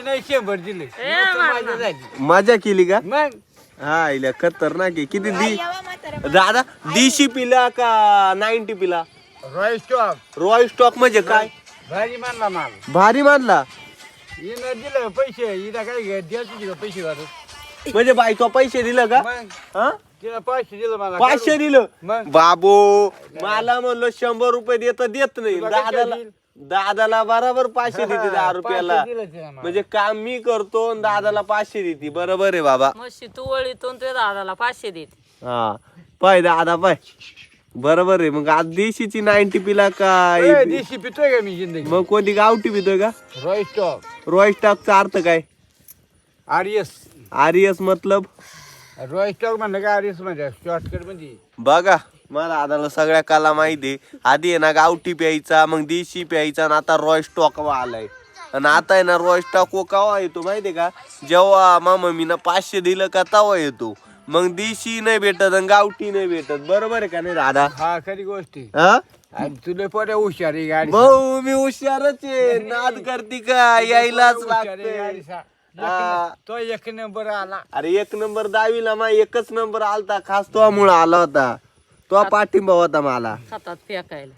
नाही 100 दिले मजा केली का मग हा इल्या खतरनाक आहे किती दादा देशी पिला का 90 पिला रॉयल स्टॉक रॉयल स्टॉक म्हणजे काय भारी मानला माल भारी मानला हिनं दिलं पैसे हिला काय द्यायचे का पैसे वाटत म्हणजे बाई तो पैसे दिलं का मग हा तिला 500 दिलं मला 500 दिलं मग बाबू मला म्हणलं 100 रुपये देत नाही तुला काय दादाला देईल? दादाला बरोबर 500 देते 10 रुपयाला 500 दिलं तिला मला. म्हणजे काम मी करतो आणि दादाला 500 देते बरोबर आहे बाबा मशी तू वळीतून ते दादाला 500 देते. हा पाय दादा पाय बरोबर आहे मग आज देशीची 90 पिला का ए, देशी पितोय का मी जिंदगी मग कोणती गावठी पितोय का रॉयल स्टॉक रॉयल स्टॉकचा अर्थ काय आरएस आरएस मतलब रॉयल स्टॉक म्हणलं का आरएस म्हणजे शॉर्टकट म्हणजे बघा मला दादाला सगळ्या कला माहिती आहे आधी आहे ना गावठी प्यायचा मग देशी प्यायचा आणि आता रॉयल स्टॉक आलाय आणि आता आहे ना रॉयल स्टॉक केव्हा येतो माहितीये का जेव्हा मम्मीनं 500 दिलं का तेव्हा येतो मग देशी नाही भेटत आणि गावठी नाही भेटत बरोबर आहे का नाही दादा हा खरी गोष्ट आहे. हा आणि तुला पोट्या हुशार आहे गाडी भाऊ मी हुशारच आहे नाद करते का यायलाच लागतंय हा. तो 1 नंबर आला अरे 1 नंबर 10वीला मा एकच नंबर आलता खास तो मुळे आला होता तो पाठिंबा होता मला हातात फेकायला.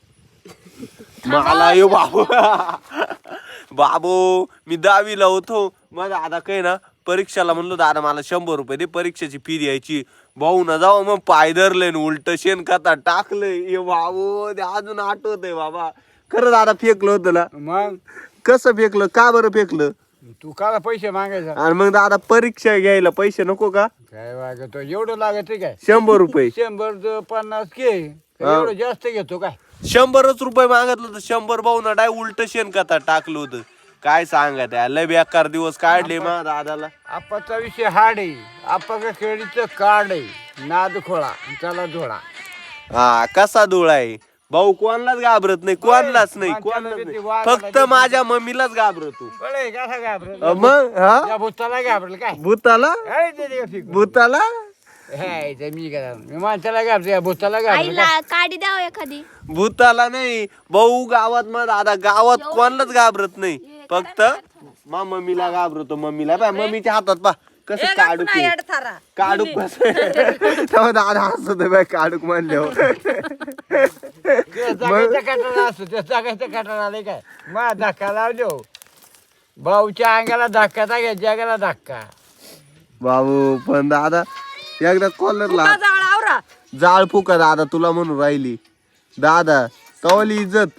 मला यो बाबू बाबू मी 10वीला होतो मग दादा काही ना परीक्षाला म्हणलो दादा मला 100 रुपये दे परीक्षेची फी द्यायची भाऊ ना जाऊ मग पाय धरले उलट शेण खाता टाकलंय ये बाबू ते अजून आठवतंय बाबा खरं दादा फेकलं होतं ना मग कसं फेकलं का बरं फेकलं तू काला पैसे मागायचा आणि मग दादा परीक्षा घ्यायला पैसे नको का काय वागतो एवढं लागत काय 100 रुपये 150 के एवढं जास्त घेतो काय 100च रुपये मागितलं तर 100 भाऊ ना डाय उलट शेण खाता टाकलं होतं काय सांगा त्या लय बेकार दिवस काढले मा दादाला आपाचा विषय हार्ड आहे आपा खेळीचं कार्ड आहे नाद खोळा त्याला धोळा हा कसा डोळा आहे भाऊ कोणालाच घाबरत नाही कोणालाच नाही कोणालाच नाही फक्त माझ्या मम्मीलाच घाबरतो बळे कसा घाबरेल मग हा त्या भूताला घाबरेल काय भूताला काय ते दे फिकून. भूताला हे ते मी काय मी माणसाला घाबरते या भूताला घाबरेल आईला काढी द्याव एखादी भूताला नाही भाऊ गावात मग दादा गावात कोणालाच घाबरत नाही फक्त मा मम्मीला घाबरतो मम्मीला पा मम्मीच्या हातात पा कसं ए, काढू गप नाही अडथारा. काढूक कसं तेव्हा दादा हसत बाय काढूक म्हणल्यावर त्या जागेचा कटाळा असतो त्या जागेचा कटाळा आले काय मा धक्का लावलो भाऊच्या अंगाला धक्का घ्या जगाला धक्का बाबू पण दादा एकदा कॉलरला फुका जाळ आवरा. जाळ फुका दादा तुला म्हणून राहिली दादा तवली इज्जत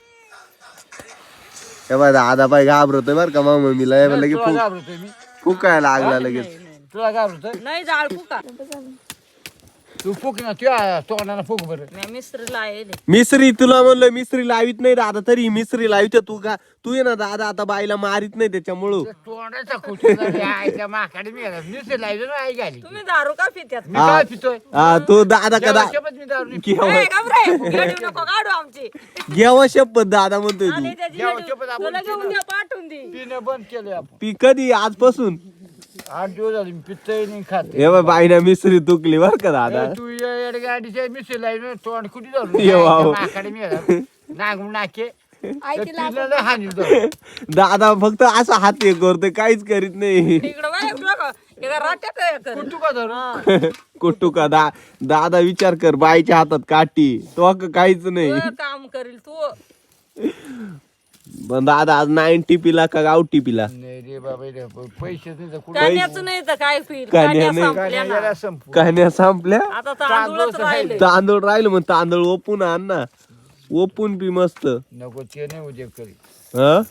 हे बाय दादा बाय घाबरतोय बर का मग मम्मीला हे लगे तुला घाबरतोय मी फुकायला लागला लगेच तुला घाबरतोय नाही जाळ फुका. तू फुक ना तुझ्या तोंडाला फुक बरं मी मिस्त्रीला आहे मिसरी तुला म्हणलं मिसरी लावित नाही दादा तरी मिसरी लावित तू का तू ये ना दादा आता बाईला मारित नाही त्याच्यामुळं त्या तोंडाचा कुठे आईच्या माकडे मी नुसते लावलं ना आई घाली तुम्ही दारू का पित्यात? मी काय पितोय हा तू दादा का जेव्हा शपथ मी दारू नाही पित. ए, घाबरे. येडू नको काढू आमची. घ्यावा शपथ दादा म्हणतोय तू आणि त्याची जेव्हा येडू शपथ आपण तुला घेऊन द्या पाठवून दे. पिणं बंद केलंय आपण ती कधी आजपासून 8 दिवस झाले मी पितोय नाही खात हे बाय बाईना मिसरी तुकली बर का दादा तू या गाडीच्या मिसळी लावलं तोंड कुठे ये वाव. माकडे मी नागून नाके आई तिला पिलेलं हानी धरून. दादा फक्त असा हात हे करतोय काहीच करीत नाही इकडं बाय, इकडं बघ. एका राट्यात हे कर. कुठू का धरून कुठू का दादा विचार कर बाईच्या हातात काठी तो काहीच नाही तू काम करील तू. पण दादा आज 90 पिला का गावठी पिला नाही रे बाबा रे, पैसे नाही तर कुठे कान्याचं नाही तर काय पिईल कान्या कान्या नाही. संपल्या ना. याला संपू कहाण्या संपल्या आता तांदूळच राहिले. तांदूळ राहिलं मग तांदूळ ओपून आण ना ओपून पी मस्त नको ते नाही उद्या करी ह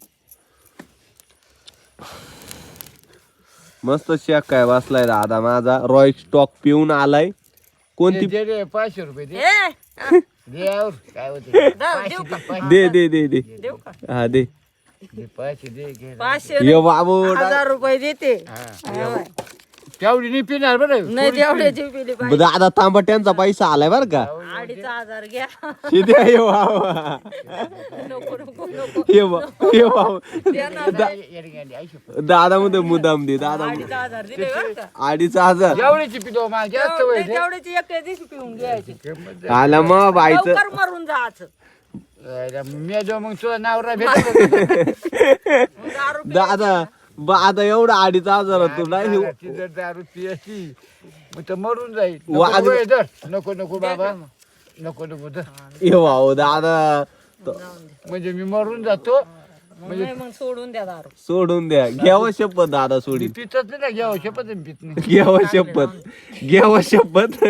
मस्त शेक काय बसलाय दादा माझा रॉयल स्टॉक पिऊन आलाय कोणती दे रे 500 रुपये दे ए, दे और काय होते देऊ का? दे दे दे दे देऊ का? हा दे दे 500 दे घे 500 ये बाबू 1000 रुपये देते. हा तेवढी नाही पिणार बरं नाही तेवढ्याची पिली पाहिजे. दादा तांबट्यांचा पैसा आलाय बर का 2500 घ्या. शिद्या ये बाबा नको नको नको ये बाबा द्या ना. दादा मध्ये मुदाम दे दादा 2500 दिले बरं का? 2500 एवढीची पितो मला जास्त वय ते तेवढ्याची एक दिवशी पिऊन घ्यायची. आला मग बाईचं लवकर मरून जायचं. मी जो मग तुला नावरा भेटत दारू दादा आता एवढा 2,500 तू नाही ती जर दारू पियाची मग तर मरून जाईल वाघ- नको हे धर. नको नको बाबा नको नको धर. येऊ दादा म्हणजे मी मरून जातो नाही मग सोडून द्या दारू सोडून द्या घ्यावं शपथ दादा मी सोडी पितच नाही ना घ्यावं शपथ आहे, पित नाही घ्यावं शपथ घ्यावं शपथ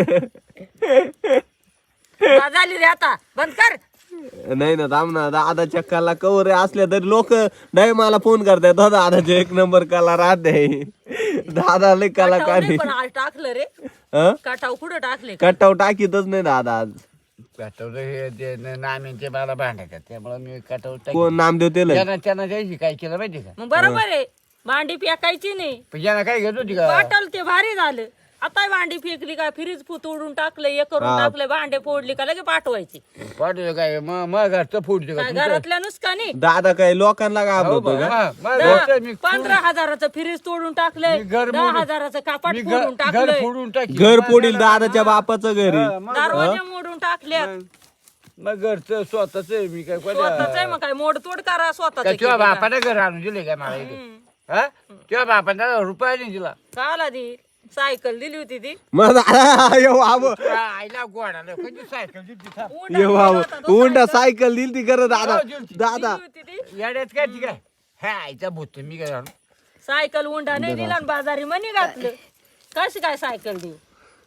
झाली रे आता बंद कर नाही ना थांब ना दादा चक्काला कवर असल्या तरी लोक नाही मला फोन करतायत हो दादाचे 1 नंबर कला राहते दादा लय कटाव कलाकार नाही, पण आज टाकलं रे हं? कटाव कुठं टाकले कटाव टाकीतच नाही दादा आज काटवलं हे ते नाम्यांचे मला भांडायचं त्यामुळे मी काटवलं कोण नामदेव तेल त्यांना द्यायची काय केलं माहिती का मग बरोबर आहे भांडी फेकायची नाही पण ज्यांना काय घेत होती का वाटल ते भारी झालं आता भांडी फेकली का फ्रीज तोडून टाकलं हे करून टाकलं भांडे फोडली का लगे पाठवायची पाठवलं काय मग घरचं फुटलं काय का घरातल्या नुसकानी दादा काय लोकांना घाबरतो का मग घरचं मी 15,000चं फ्रीज तोडून टाकलंय मी घर 10,000चं कापाट मी फोडून घर टाकलंय फोडून टाकी घर पोडील दादाच्या बापाचं घरी दरवाजे मोडून टाकले मग घरचं स्वतःच आहे मी काय स्वतःच आहे मग काय मोडतोड करा स्वतःच किंवा बापाने घर आणून दिले काय मला इथे हा किंवा बापाने रुपया नाही दिला काला दी सायकल दिली होती ती मग दादा येऊ आव आईला गोडाला कधी सायकल दिली था. उंडा येऊ दिला आव होता तो उंडा सायकल दिली ती खरं दादा दादा दिली होती ती येड्यात काय ती काय हा आईचा भूत मी काय जाणू सायकल उंडा नाही दिला आणि बाजारी मनी घातलं कशी काय सायकल देऊ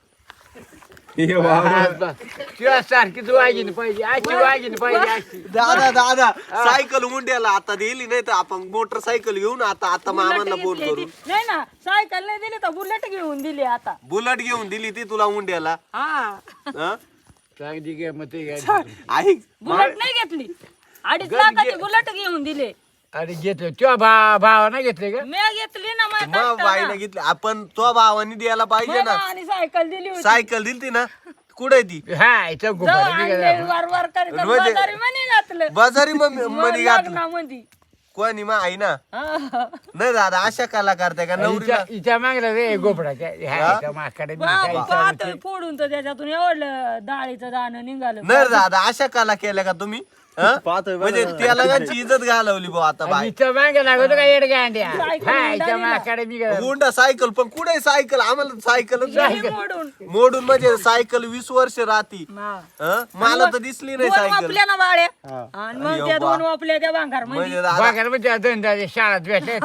येऊ आव तुला सारखीच वागिनी पाहिजे अशी वागिनी पाहिजे अशी दादा दादा सायकल मुंड्याला आता दिली नाही तर आपण मोटरसायकल घेऊन आता मामांना बुलेट फोन घेतली करू ती. नाही ना सायकल नाही दिली तर बुलेट घेऊन दिली आता बुलेट घेऊन दिली ती तुला मुंड्याला हा हं? चांगली काय मग ते काय ऐक बुलेट नाही घेतली 2.5 लाखाची बुलेट घेऊन दिले अरे घेतलं तुझ्या भावाने घेतले का मी घेतली ना माझ्या मग कष्टानं. बाईने घेतली आपण तो भावानी द्यायला पाहिजे मला ना आणि सायकल दिली होती सायकल दिली ना कुठे ती हा आईचा जाऊ गोपाळ मी आणले, काय वर वर करीत म्हणजे- बाजारी मनी घातलं बाजारी मनी घातलं लग्नामध्ये. कोणी मग आई ना हा. नाही दादा अशा कला करते का नवरीला हिच्या मागला रे गोपडाच्या ह्या माकडे पाहतोय फोडून तर त्याच्यातून एवढं डाळीचं दाणं निघालं नाही दादा अशा कला केल्या का तुम्ही हं? म्हणजे त्याला त्यांची इज्जत घालवली भाऊ आता बाई हिच्या मागे लागतो का येड गांड्या सायकल हा हुंडा हिच्या दिला. माकडे मी काय हुंडा सायकल पण कुठे सायकल आम्हाला सायकलच हे नाही. मोडून मोडून म्हणजे सायकल 20 वर्ष राहती हा. हं? मला तर दिसली नाही दोन सायकल वापल्या ना बाळ्या आणि मग त्या दोन वापल्या त्या भांगार म्हणजे दादा बागायला म्हणजे धंद्याच्या शाळेत भेटले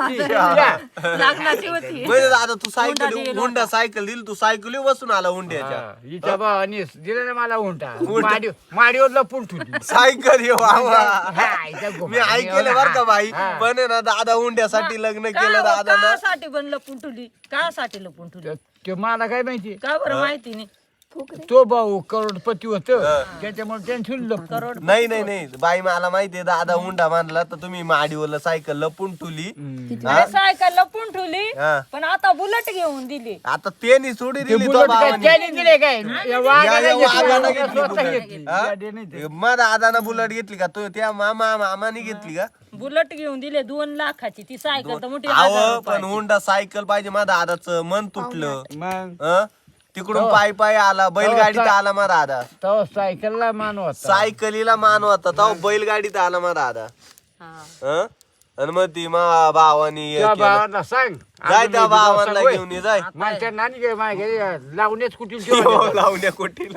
लग्नाची होती म्हणजे दादा तू सायकल हुंडा दिला हुंडा सायकल दिली तू सायकल बसून आला हुंड्याच्या हिच्या भावानी दिलं ना मला उंटा माडीवर लपून ठेवली सायकल ये बाबा हा, हिच्या मी गोपाळ. ऐकलं बर का बाई हा. पण आहे ना दादा हुंड्यासाठी लग्न केलं दादा ना कासाठी पण लपून ठेवली कासाठी लपून ठेवली ते मला काय माहिती का बरं माहिती नाही तो भाऊ करोडपती होत त्याच्यामुळे टेन्शन लपून करोड नाही नाही नाही बाई मला माहितीये दादा हुंडा मानला तर तुम्ही माडीवर सायकल लपून ठुली अरे सायकल लपून ठेवली हा. पण आता बुलेट घेऊन दिली आता त्यांनी सोडी ते दिली तो बुलेट काय भावानी. त्याने दिले काय या वाघाला या वाघाला घेतली, घेतली स्वतः बुलेट. घेतली. हा? गाडी नाही ते. मग दादानं बुलेट घेतली का तो त्या मामाने घेतली का बुलेट घेऊन दिले 2 लाखाची ती सायकल तर मोठी अहो 1000 पण रुपयाची. हुंडा सायकल पाहिजे माझ्या दादाचं मन तुटलं मग हं? तिकडून पायी पायी आला बैलगाडीत आला मग दादा तो सायकलला मान होता सायकलीला मान होता तो बैलगाडीत आला मग दादा हा. हं? आणि मग ती मा भावानी हे त्या केलं. भावाला सांग जाय त्या भावाला घेऊन ये जाय माझ्या नानी काय मागे लावण्याच कुठे लावण्या कोटील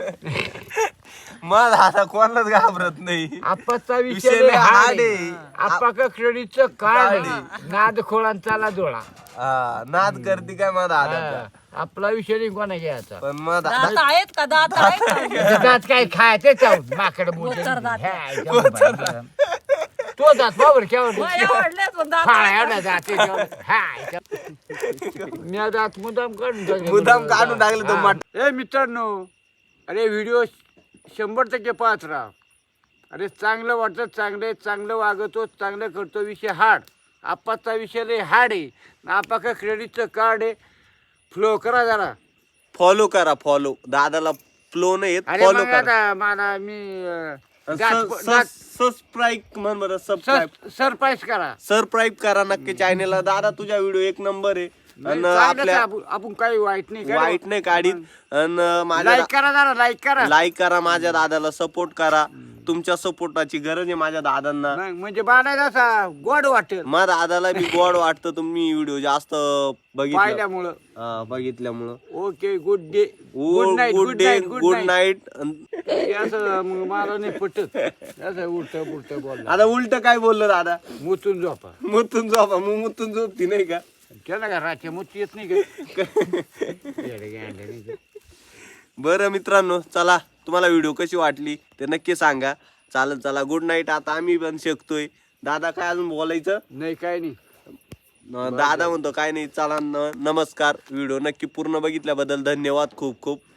मग दादा कोणालाच घाबरत नाही आपाचा विषय विषय लय हाड hard आहे. आहे. आपा का क्रेडिटचं काय नाद खोळांचाला डोळा हा, नाद करते काय मग दादा हा. आपला विषय नाही कोणा घ्यायचा पण मग दात आहेत का दात आहेत का? दात काय खायचे चावून माकड गोचर दात. तो दात बाबर केवढ मग एवढलेच पण दात फाळा आहेत. एवढा जाते मी दात मुदाम काढून टाकले. मुद्दाम काढून टाकले तो मट ए मित्रांनो अरे व्हिडिओ 100% पाहत राहा अरे चांगलं वाटतं चांगलं वागतो चांगलं करतो विषय हार्ड आपाचा विषय लय हार्ड आहे आपा का क्रेडिटचं कार्ड आहे फ्लो करा जरा फॉलो करा फॉलो दादाला फ्लो नाही येत अरे फॉलो मग करा आता मला मी सबस्क्राईब म्हण बरं सबस्क्राईब सरप्राईज करा सबस्क्राईब करा नक्की चॅनेलला दादा तुझा व्हिडिओ 1 नंबर आहे आणि चांगलंच आहे, आपल्या आपण काही वाईट नाही करू. वाईट नाही काढीत आणि माझ्या लाईक करा जरा लाईक करा लाईक करा माझ्या दादाला सपोर्ट करा तुमच्या सपोर्टाची गरज आहे माझ्या दादांना. मग म्हणजे बाणायला असा गोड वाटेल माझ्या दादाला बी गोड वाटतं तुम्ही व्हिडिओ जास्त बघितलं पाहिल्यामुळं. बघितल्यामुळं. Okay good day good night good day good night. असं मग मला नाही पटत असं उलट पुलट बोलला. आता उलट काय बोललो दादा? मुतून झोपा मुतून झोपा. मग मुतून झोपती नाही का? केला का रात्री मुत येत नाही का? येडे गांडे नाही का? बरं मित्रांनो, चला तुम्हाला व्हिडिओ कशी वाटली ते नक्की सांगा. चालेल, चला गुड नाईट. आता आम्ही पण शिकतोय. दादा काय अजून बोलायचं? नाही काय नाही. दादा म्हणतो काय नाही. चला नमस्कार. व्हिडिओ नक्की पूर्ण बघितल्याबद्दल धन्यवाद खूप खूप.